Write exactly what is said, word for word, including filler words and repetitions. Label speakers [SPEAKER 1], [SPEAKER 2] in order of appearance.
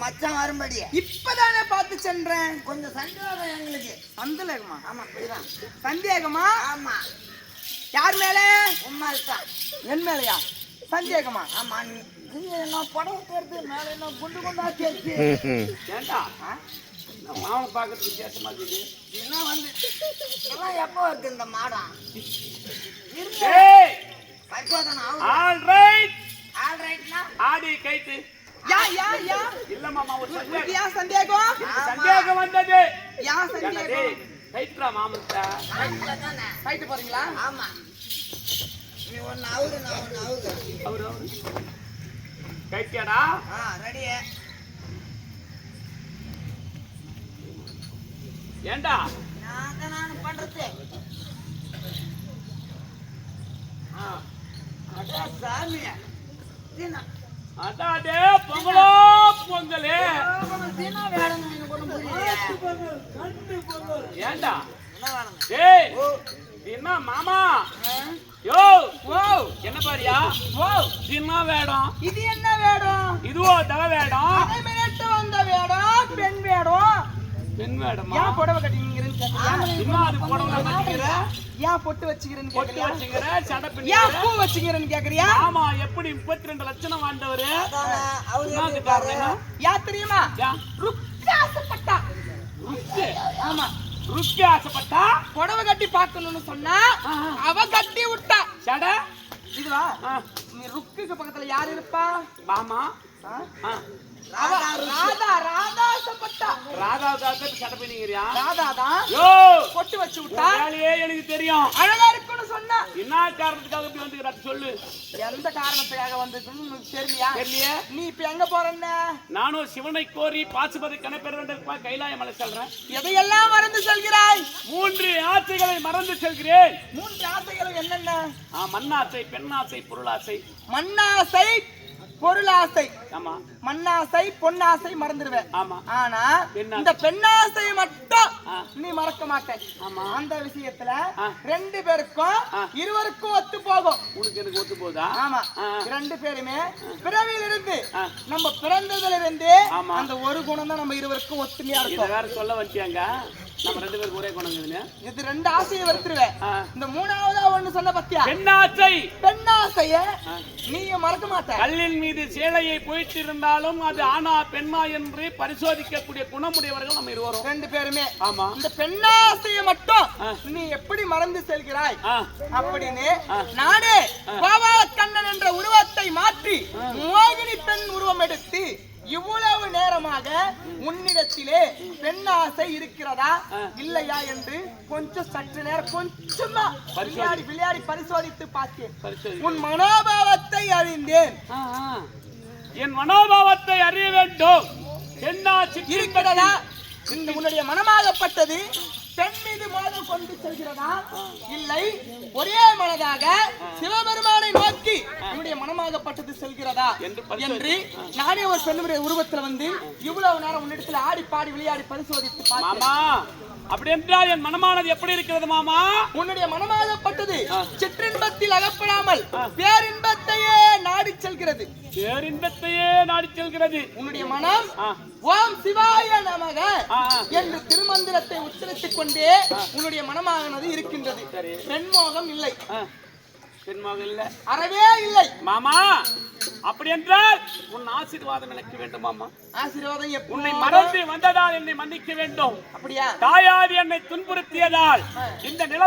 [SPEAKER 1] மச்சான் வரும்படி
[SPEAKER 2] இப்பதானே பார்த்து சென்றேன்.
[SPEAKER 1] கொஞ்சம் சந்தேகம் எங்களுக்கு.
[SPEAKER 2] சந்தேகமா?
[SPEAKER 1] ஆமா புரியுதான்.
[SPEAKER 2] சந்தேகமா?
[SPEAKER 1] ஆமா.
[SPEAKER 2] யார் மேல?
[SPEAKER 1] உம்மால் தான்.
[SPEAKER 2] என் மேலையா சந்தேகமா?
[SPEAKER 1] ஆமா. நீ என்ன படம் தேர்த்து மேல என்ன குண்டு குண்டா தேர்த்து
[SPEAKER 3] ஏண்டா மாவனை பார்க்கறதுக்கு வித்தியாசமா இருக்குது.
[SPEAKER 1] என்ன வந்து எல்லாம் எப்போ இருக்கு இந்த மாடம்?
[SPEAKER 3] ஏய்
[SPEAKER 1] பரிசோதனை
[SPEAKER 3] ஆல் ரைட்
[SPEAKER 1] ஆல் ரைட்னா
[SPEAKER 3] ஆடி கைத்து.
[SPEAKER 2] யா யா யா
[SPEAKER 3] இல்ல மாமா ஒரு சந்தேகம்.
[SPEAKER 2] யா சந்தேகம்?
[SPEAKER 3] சந்தேகம் வந்தது.
[SPEAKER 2] யா
[SPEAKER 3] ஏண்டா
[SPEAKER 2] சந்தேகம்?
[SPEAKER 3] டேய் கைத்துடா மாமன்டா.
[SPEAKER 1] ரைட்ல தானே.
[SPEAKER 2] ஃபைட் போறீங்களா?
[SPEAKER 1] ஆமா. நீ ஒன்னு அவுரு நான் ஒன்னு அவுரு.
[SPEAKER 3] அவரு அவரு கைத்தியாடா.
[SPEAKER 1] ஆ ரெடி.
[SPEAKER 3] ஏண்டா
[SPEAKER 1] நான் தான் நான் பண்றது.
[SPEAKER 3] ஆ
[SPEAKER 1] அட சாமி. தினா
[SPEAKER 3] அதாடே பொங்கலோ பொங்கலே.
[SPEAKER 1] தினா வேணும் நீங்க கொண்டு புரியல.
[SPEAKER 3] ஏண்டா
[SPEAKER 1] என்ன வேணும்?
[SPEAKER 3] டேய்
[SPEAKER 1] ஓ
[SPEAKER 3] என்ன மாமா
[SPEAKER 1] ஆ?
[SPEAKER 3] யோ
[SPEAKER 2] ஓ
[SPEAKER 3] என்ன பாரியா
[SPEAKER 2] ஓ
[SPEAKER 3] சின்ன வேடம்
[SPEAKER 2] இது என்ன வேடம்?
[SPEAKER 3] இதுவோ தவ வேடம்.
[SPEAKER 2] அதை மிரட்ட வந்த வேடம் பெண் வேடம்.
[SPEAKER 3] பெண் வேடமா?
[SPEAKER 2] ஏன் புடவை கட்டிங்கிறேன்னு கேட்கறியா?
[SPEAKER 3] இன்னும் அது புடவை கட்டிக்கிற
[SPEAKER 2] ஏன் பொட்டு வச்சுக்கிறேன்னு
[SPEAKER 3] பொட்டு
[SPEAKER 2] கேட்கறியா?
[SPEAKER 3] வச்சுக்கிற சடை
[SPEAKER 2] ஏன்
[SPEAKER 3] பின்னிக்கிற.
[SPEAKER 2] பூ வச்சுக்கிறேன்னு கேட்கறியா?
[SPEAKER 3] ஆமா எப்படி முப்பத்தி ரெண்டு லட்சம் வாழ்ந்தவரு
[SPEAKER 1] அதானே அவரு
[SPEAKER 3] என்னது
[SPEAKER 1] எப்படி
[SPEAKER 3] காரணம் என்ன?
[SPEAKER 2] யா தெரியுமா?
[SPEAKER 3] யா
[SPEAKER 2] ருக்கா ஆசைப்பட்டா.
[SPEAKER 3] ருக்கு
[SPEAKER 2] ஆமா
[SPEAKER 3] ருக்கு ஆசைப்பட்டா
[SPEAKER 2] புடவை கட்டி பார்க்கணும்னு சொன்னா அவ கட்டி விட்டா.
[SPEAKER 3] சடை.
[SPEAKER 2] இதுவா
[SPEAKER 3] ஆ,
[SPEAKER 2] நீ ருக்குக்கு பக்கத்துல யார் இருப்பா?
[SPEAKER 3] மாமா
[SPEAKER 2] ஆ?
[SPEAKER 3] ஆ,
[SPEAKER 2] அவ ராதா ராதா ஆசைப்பட்டா.
[SPEAKER 3] ராதாவுக்காக சடை பின்னிக்கிறியா?
[SPEAKER 2] ராதா தான்
[SPEAKER 3] யோ
[SPEAKER 2] பொட்டு வச்சு
[SPEAKER 3] உன்
[SPEAKER 2] விட்டா.
[SPEAKER 3] வேலையே எனக்கு தெரியும்.
[SPEAKER 2] அழகா இருக்குன்னு சொன்னா
[SPEAKER 3] என்ன காரணத்துக்காக இப்படி வந்துக்கிற சொல்லு.
[SPEAKER 2] எந்த காரணத்துக்காக வந்திருக்குன்னு உனக்கு தெரியலையா?
[SPEAKER 3] தெரியலையே.
[SPEAKER 2] நீ இப்ப எங்க போறன்னு?
[SPEAKER 3] நானும் சிவனை கோரி பாசுபதி கணப்பெற வேண்டும் கைலாய மலை செல்றேன்.
[SPEAKER 2] எதையெல்லாம் மறந்து செல்கிறாய்?
[SPEAKER 3] மூன்று ஆசைகளை மறந்து செல்கிறேன்.
[SPEAKER 2] மூன்று ஆசைகளும் என்னென்ன?
[SPEAKER 3] ஆ, மண்ணாசை பெண்ணாசை பொருளாசை.
[SPEAKER 2] மண்ணாசை பொருளாசை.
[SPEAKER 3] ஆமா
[SPEAKER 2] மண்ணாசை பொன்னாசை மறந்துடுவேன்.
[SPEAKER 3] ஆமா
[SPEAKER 2] ஆனா
[SPEAKER 3] பெண்ணாசை.
[SPEAKER 2] இந்த பெண்ணாசை மட்டும்
[SPEAKER 3] ஆ.
[SPEAKER 2] நீ மறக்க மாட்ட.
[SPEAKER 3] ஆமா.
[SPEAKER 2] அந்த விஷயத்துல
[SPEAKER 3] ஆ.
[SPEAKER 2] ரெண்டு பேருக்கும்
[SPEAKER 3] ஆ.
[SPEAKER 2] இருவருக்கும் ஒத்து போகும்.
[SPEAKER 3] உனக்கு எனக்கு ஒத்து போதா?
[SPEAKER 2] ஆமா
[SPEAKER 3] ஆ.
[SPEAKER 2] ரெண்டு பேருமே பிறவியில இருந்து
[SPEAKER 3] ஆ.
[SPEAKER 2] நம்ம பிறந்ததுல இருந்து
[SPEAKER 3] ஆமா.
[SPEAKER 2] அந்த ஒரு குணம் தான் நம்ம இருவருக்கும் ஒத்துமையா
[SPEAKER 3] இத
[SPEAKER 2] இருக்கும்.
[SPEAKER 3] வேற சொல்ல வச்சியாங்க. நம்ம ரெண்டு பேரும் ஒரே குணங்குதுன்னு.
[SPEAKER 2] இது ரெண்டு ஆசையை வருத்துருவேன்.
[SPEAKER 3] ஆ.
[SPEAKER 2] இந்த மூணாவதா ஒண்ணு சொன்ன பத்தியா?
[SPEAKER 3] பெண்ணாசை.
[SPEAKER 2] பெண்ணாசைய
[SPEAKER 3] ஆ.
[SPEAKER 2] நீயும் மறக்க மாட்ட.
[SPEAKER 3] கல்லின் மீது சேலையை போயிட்டு இருந்தாலும் அது ஆனா பெண்ணா என்று பரிசோதிக்கக்கூடிய குணமுடையவர்கள் நம்ம இருவரும்.
[SPEAKER 2] ரெண்டு பேருமே.
[SPEAKER 3] ஆமா.
[SPEAKER 2] இந்த பெண்ணாசையை மட்டும்
[SPEAKER 3] ஆ.
[SPEAKER 2] நீ எப்படி மறந்து செல்கிறாய்
[SPEAKER 3] ஆ,
[SPEAKER 2] அப்படின்னு
[SPEAKER 3] ஆ.
[SPEAKER 2] நானே கோபாலக்கண்ணன் என்ற உருவத்தை மாற்றி மோகினி பெண் உருவம் எடுத்து இவ்வளவு நேரமாக உன்னிடத்திலே பெண்ணாசை இருக்கிறதா இல்லையா என்று கொஞ்சம் சற்று நேரம் கொஞ்சமா விளையாடி விளையாடி பரிசோதித்து பார்த்தேன்.
[SPEAKER 3] பரிசோதி.
[SPEAKER 2] உன் மனோபாவத்தை அறிந்தேன்.
[SPEAKER 3] ஆ, ஆ. என் மனோபாவத்தை அறிய வேண்டும். பெண்ணாசி
[SPEAKER 2] இருக்கிறதா? இந்த உன்னுடைய மனமாகப்பட்டது பெண் மீது மோதல் கொண்டு செல்கிறதா இல்லை ஒரே மனதாக சிவபெருமானை நோக்கி உன்னுடைய மனமாகப்பட்டது செல்கிறதா
[SPEAKER 3] என்று
[SPEAKER 2] என்று நானே ஒரு பெண்ணுடைய உருவத்துல வந்து இவ்வளவு நேரம் உன்னிடத்துல ஆடி பாடி விளையாடி பரிசோதித்து பார்த்தேன்.
[SPEAKER 3] மாமா அப்படி என்றால் என் மனமானது எப்படி இருக்கிறது மாமா?
[SPEAKER 2] உன்னுடைய மனமாகப்பட்டது சிற்றின்பத்தில் அகப்படாமல் பேரின்பத்தையே நாடி செல்கிறது.
[SPEAKER 3] பேரின்பத்தையே நாடி செல்கிறது.
[SPEAKER 2] உன்னுடைய மனம்
[SPEAKER 3] ஆ.
[SPEAKER 2] ஓம் சிவாய நமக
[SPEAKER 3] ஆ.
[SPEAKER 2] என்று திருமந்திரத்தை உச்சரித்துக் கொண்டே உன்னுடைய மனமானது இருக்கின்றது.
[SPEAKER 3] சரி.
[SPEAKER 2] பெண்மோகம் இல்லை.
[SPEAKER 3] ஆ. பெண்மகள் இல்ல.
[SPEAKER 2] அறவே இல்லை.
[SPEAKER 3] மாமா அப்படி என்றால் உன் ஆசீர்வாதம் எனக்கு வேண்டும் மாமா.
[SPEAKER 2] ஆசீர்வாதம் எப்போ?
[SPEAKER 3] உன்னை மறந்து வந்ததால் என்னை மன்னிக்க வேண்டும்.
[SPEAKER 2] அப்படியா?
[SPEAKER 3] தாயார் என்னை துன்புறுத்தியதால் இந்த நில